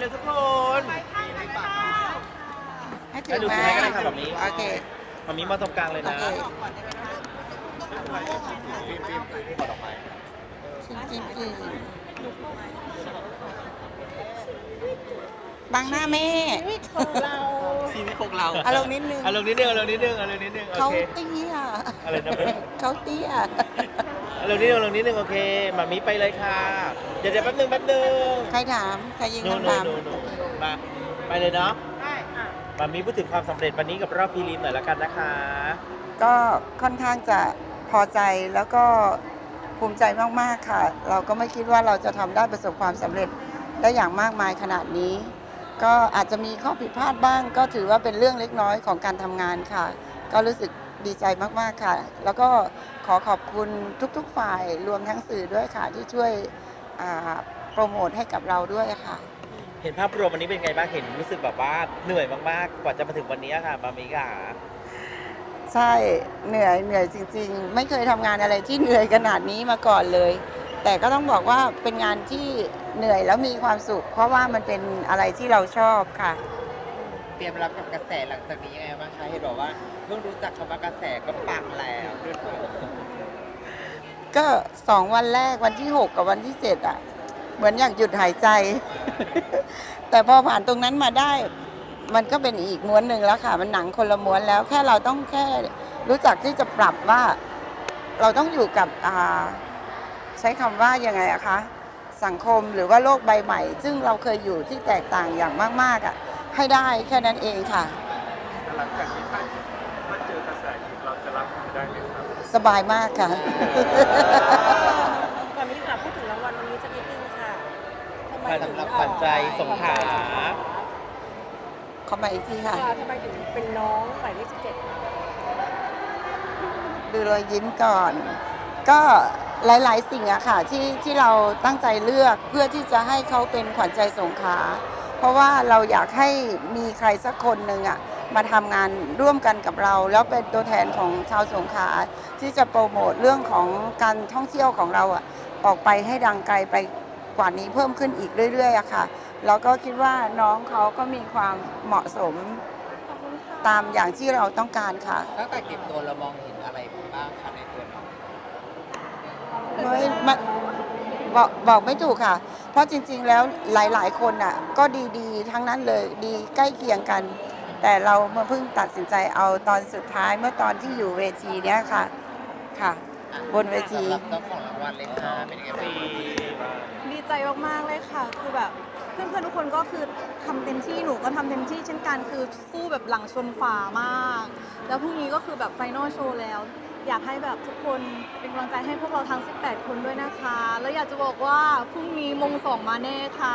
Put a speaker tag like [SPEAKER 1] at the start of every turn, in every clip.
[SPEAKER 1] เลยทุกคน
[SPEAKER 2] ให้ถือ
[SPEAKER 1] ดู
[SPEAKER 2] มา
[SPEAKER 1] ให้ก็ได้ค่ะแบบนี้
[SPEAKER 2] โอเค
[SPEAKER 1] มามีมาตรงกลางเลย
[SPEAKER 2] โอ
[SPEAKER 1] นะ
[SPEAKER 2] เค
[SPEAKER 1] ฟิล์มกดออกไป
[SPEAKER 2] กินบังหน้าแม่
[SPEAKER 3] ของเรา
[SPEAKER 1] ชีวิตของเรา
[SPEAKER 2] เอาลงนิดนึง
[SPEAKER 1] เอาลงนิดนึงเอาลงนิดนึงเอาลงนิดนึงโอ
[SPEAKER 2] เขา
[SPEAKER 1] เค
[SPEAKER 2] เตี้ย
[SPEAKER 1] อะไรนะแม่
[SPEAKER 2] เขาเตี้ย
[SPEAKER 1] เอาลงนิดนึงเอาลงนิดนึงโอเคมามีไปเลยค่ะเดี๋ยวแป๊บนึง
[SPEAKER 2] ใครถามใครยิง
[SPEAKER 1] นู่น
[SPEAKER 2] คำถาม
[SPEAKER 1] มาไปเลยเนาะ
[SPEAKER 3] ได้อ่ะ
[SPEAKER 1] มามีพูดถึงความสำเร็จวันนี้กับรอบพรีลิมหน่อยละกันนะคะ
[SPEAKER 2] ก็ค่อนข้างจะพอใจแล้วก็ภูมิใจมากๆค่ะ เราก็ไม่คิดว่าเราจะทำได้ประสบความสำเร็จได้อย่างมากมายขนาดนี้ ก็อาจจะมีข้อผิดพลาดบ้าง ก็ถือว่าเป็นเรื่องเล็กน้อยของการทำงานค่ะ ก็รู้สึกดีใจมากๆค่ะ แล้วก็ขอขอบคุณทุกๆฝ่ายรวมทั้งสื่อด้วยค่ะที่ช่วยโปรโมทให้กับเราด้วยค่ะ
[SPEAKER 1] เห็นภาพรวมวันนี้เป็นไงบ้างเห็นรู้สึกแบบว่าเหนื่อยมากๆกว่าจะมาถึงวันนี้ค่ะมามีค่ะ
[SPEAKER 2] ใช่เหนื่อยจริงๆ ไม่เคยทำงานอะไรที่เหนื่อยขนาดนี้มาก่อนเลย แต่ก็ต้องบอกว่าเป็นงานที่เหนื่อยแล้วมีความสุข เพราะว่ามันเป็นอะไรที่เราชอบค่ะ
[SPEAKER 4] เตรียมรับกับกระแสหลังจากนี้ยังไงบ้างคะเห็นบอกว่าเพิ่งรู้จักคำว่ากระแสก็ปังแล้ว
[SPEAKER 2] ก็2 วันแรกวันที่ 6 กับวันที่ 7อ่ะเหมือนอยากหยุดหายใจ แต่พอผ่านตรงนั้นมาได้ มันก็เป็นอีกม้วนหนึ่งแล้วค่ะ มันหนังคนละม้วนแล้วแค่เราต้องแค่รู้จักที่จะปรับว่าเราต้องอยู่กับใช้คำว่ายังไงอะคะสังคมหรือว่าโลกใบใหม่ ซึ่งเราเคยอยู่ที่แตกต่างอย่างมากๆอะให้ได้แค่นั้นเองค่ะ
[SPEAKER 5] หลังจากนี้ถ้าเจอกระแสอีกเราจะรับมือได้ไหมครับ
[SPEAKER 2] สบายมากค่ะ
[SPEAKER 3] ก่อนนี้ค่ะพูดถึงรางวัลวันนี้สักนิดนึงค่ะทำไมถึง
[SPEAKER 1] ขวัญใจสงขลา
[SPEAKER 2] ขอมาอีกทีค่ะ
[SPEAKER 3] ทำไมถึงเป็นน้องหมายเลข17
[SPEAKER 2] ดูรอยยิ้มก่อน ก็หลายๆสิ่งอะค่ะที่เราตั้งใจเลือกเพื่อที่จะให้เขาเป็นขวัญใจสงขลาเพราะว่าเราอยากให้มีใครสักคนหนึ่งอะมาทำงานร่วมกันกับเรา แล้วเป็นตัวแทนของชาวสงขลาที่จะโปรโมทเรื่องของการท่องเที่ยวของเราอะออกไปให้ดังไกลไปกว่านี้เพิ่มขึ้นอีกเรื่อยๆอะค่ะแล้วก็คิดว่าน้องเขาก็มีความเหมาะสมตามอย่างที่เราต้องการค่ะ
[SPEAKER 4] ตั้งแต่เก็บตัวเรามองเห็นอะไรบ้างคะในตัวน้อง
[SPEAKER 2] ไม่บอกไม่ถูกค่ะ เพราะจริงๆ แล้วหลายๆ คนน่ะก็ดีๆ ทั้งนั้นเลยดีใกล้เคียงกัน แต่เรามาเพิ่งตัดสินใจเอาตอนสุดท้ายเมื่อตอนที่อยู่เวทีเนี้ยค่ะค่ะ บนเวที
[SPEAKER 4] สำหรับเจ้าของรางวัลเลยค่ะเป็นยังไงบ้าง
[SPEAKER 6] ดีใจมากๆเลยค่ะ คือแบบเพื่อนๆทุกคนก็คือทำเต็มที่หนูก็ทำเต็มที่เช่นกันคือสู้แบบหลังชนฝามาก แล้วพรุ่งนี้ก็คือแบบไฟนอลโชว์แล้ว อยากให้แบบทุกคนเป็นกำลังใจให้พวกเราทั้ง 18 คนด้วยนะคะ แล้วอยากจะบอกว่าพรุ่งนี้มง2มาแน่ค่ะ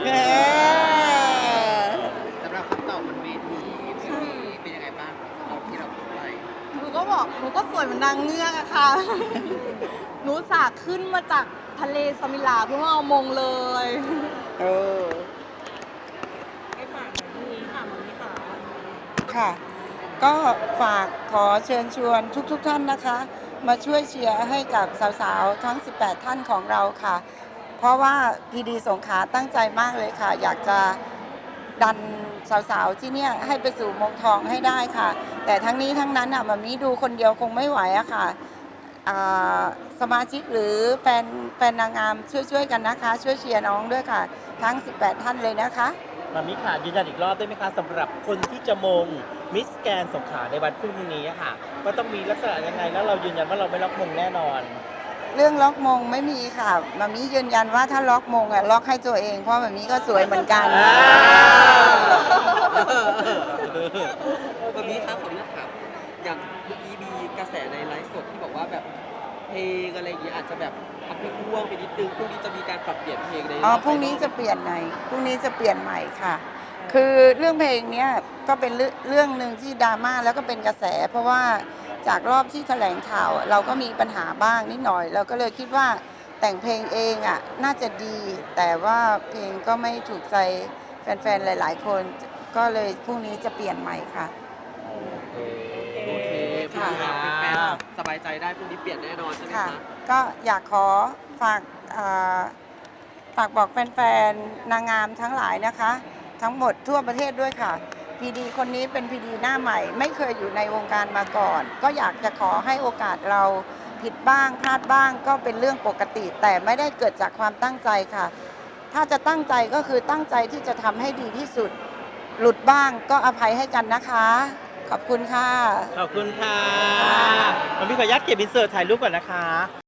[SPEAKER 4] สำหรับคำตอบบนเวทีเป็นยังไงบ้างเอาที่เราพูดไป
[SPEAKER 6] หนูก็บอกหนูก็สวยเหมือนนางเงือกอะค่ะ หนูสากขึ้นมาจากทะเลสมิลาเพื่อมาเอามงเลย
[SPEAKER 2] เออ
[SPEAKER 3] ให้ฝากหน่อยพรุ่งนี้ค่ะมันนี้ค่ะ
[SPEAKER 2] ค่ะ ก็ฝากขอเชิญชวนทุกท่านนะคะ มาช่วยเชียร์ให้กับสาวๆ ทั้ง 18 ท่านของเราค่ะ เพราะว่าพีดีสงขลาตั้งใจมากเลยค่ะ อยากจะดันสาวๆ ที่เนี่ยให้ไปสู่มงทองให้ได้ค่ะ แต่ทั้งนี้ทั้งนั้นอ่ะมามีดูคนเดียวคงไม่ไหวอะค่ะสมาชิกหรือแฟนนางงามช่วยๆกันนะคะ ช่วยเชียร์น้องด้วยค่ะ ทั้ง 18 ท่านเลยนะคะ
[SPEAKER 1] มามิค่ะยืนยันอีกรอบได้ไหมคะสำหรับคนที่จะมงมิสแกนสงขลาในวันพรุ่งนี้อะค่ะว่าต้องมีลักษณะยังไงแล้วเรายืนยันว่าเราไม่ล็อกมงแน่นอน
[SPEAKER 2] เรื่องล็อกมงไม่มีค่ะมามียืนยันว่าถ้าล็อกมงอ่ะล็อกให้ตัวเองเพราะมามีก็สวยเหมือนกัน
[SPEAKER 7] วันนี้ครับขออนุญาตถามอย่างเมื่อกี้มีกระแสในไลฟ์สดที่บอกว่าแบบเพลงอะไรอย่างเงี้ยอาจจะแบบทำให้ร่วงไปนิดนึงพรุ่งนี้จะมีการปรับเปลี่ยนเพลงใน
[SPEAKER 2] อ๋อพรุ่งนี้จะเปลี่ยนใหม่พรุ่งนี้จะเปลี่ยนใหม่ค่ะ คือเรื่องเพลงเนี้ยก็เป็นเรื่องหนึ่งที่ดราม่าแล้วก็เป็นกระแส เพราะว่าจากรอบที่แถลงข่าวเราก็มีปัญหาบ้างนิดหน่อย เราก็เลยคิดว่าแต่งเพลงเองอ่ะน่าจะดี แต่ว่าเพลงก็ไม่ถูกใจแฟนๆหลายๆ คน ก็เลยพรุ่งนี้จะเปลี่ยนใหม่ค่ะ
[SPEAKER 7] โอเคพรุ่งนี้แฟนๆสบายใจได้พรุ่งนี้เปลี่ยนแน่นอนใช่ไหม
[SPEAKER 2] ค่ะ
[SPEAKER 7] คะ
[SPEAKER 2] ก็อยากขอฝากฝากบอกแฟนๆ นางงามทั้งหลายนะคะ ทั้งหมดทั่วประเทศด้วยค่ะ พีดีคนนี้เป็นพีดีหน้าใหม่ ไม่เคยอยู่ในวงการมาก่อน ก็อยากจะขอให้โอกาสเราผิดบ้างพลาดบ้างก็เป็นเรื่องปกติ แต่ไม่ได้เกิดจากความตั้งใจค่ะ ถ้าจะตั้งใจก็คือตั้งใจที่จะทำให้ดีที่สุด หลุดบ้างก็อภัยให้กันนะคะ ขอบคุณค่ะ
[SPEAKER 1] ขอบคุณค่ะมันมีขออนุญาตเก็บอินเสิร์ตถ่ายรูปก่อนนะคะ